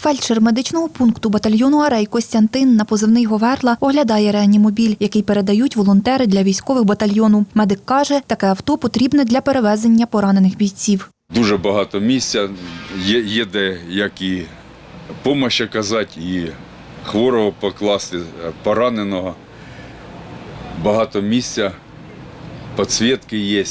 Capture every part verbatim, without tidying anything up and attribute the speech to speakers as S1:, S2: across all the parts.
S1: Фельдшер медичного пункту батальйону «Арей» Костянтин на позивний «Говерла» оглядає реанімобіль, який передають волонтери для військових батальйону. Медик каже, таке авто потрібне для перевезення поранених бійців.
S2: Дуже багато місця, є, є де як і допомогу оказати, і хворого покласти, пораненого. Багато місця, підсвітки є.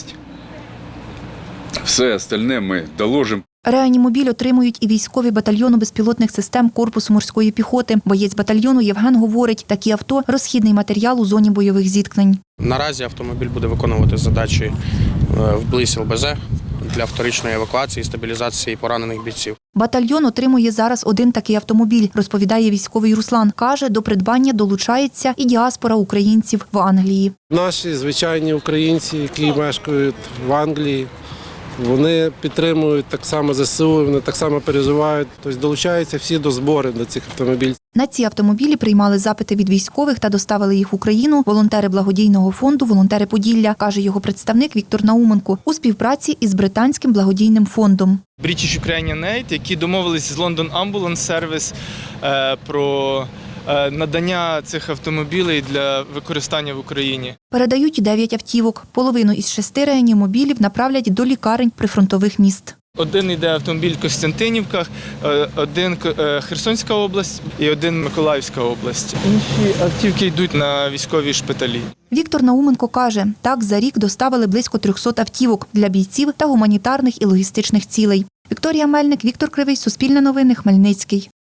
S2: Все остальне ми доложимо.
S1: Реанімобіль отримують і військові батальйону безпілотних систем Корпусу морської піхоти. Боєць батальйону Євген говорить, такі авто – розхідний матеріал у зоні бойових зіткнень.
S3: Наразі автомобіль буде виконувати задачі вблизь ел бе зет для вторичної евакуації і стабілізації поранених бійців.
S1: Батальйон отримує зараз один такий автомобіль, розповідає військовий Руслан. Каже, до придбання долучається і діаспора українців в Англії.
S4: Наші звичайні українці, які мешкають в Англії, вони підтримують так само зе се у, вони так само переживають, тобто долучаються всі до зборів до цих автомобілів.
S1: На ці автомобілі приймали запити від військових та доставили їх в Україну волонтери благодійного фонду «Волонтери Поділля», каже його представник Віктор Науменко, у співпраці із британським благодійним фондом.
S5: British Ukrainian Aid, які домовились з London Ambulance Service е, про е, надання цих автомобілів для використання в Україні.
S1: Передають дев'ять автівок. Половину із шести реанімобілів направлять до лікарень прифронтових міст.
S5: Один йде автомобіль в Костянтинівках, один Херсонська область і один Миколаївська область. Інші автівки йдуть на військові шпиталі.
S1: Віктор Науменко каже, так за рік доставили близько трьохсот автівок для бійців та гуманітарних і логістичних цілей. Вікторія Мельник, Віктор Кривий, Суспільне новини, Хмельницький.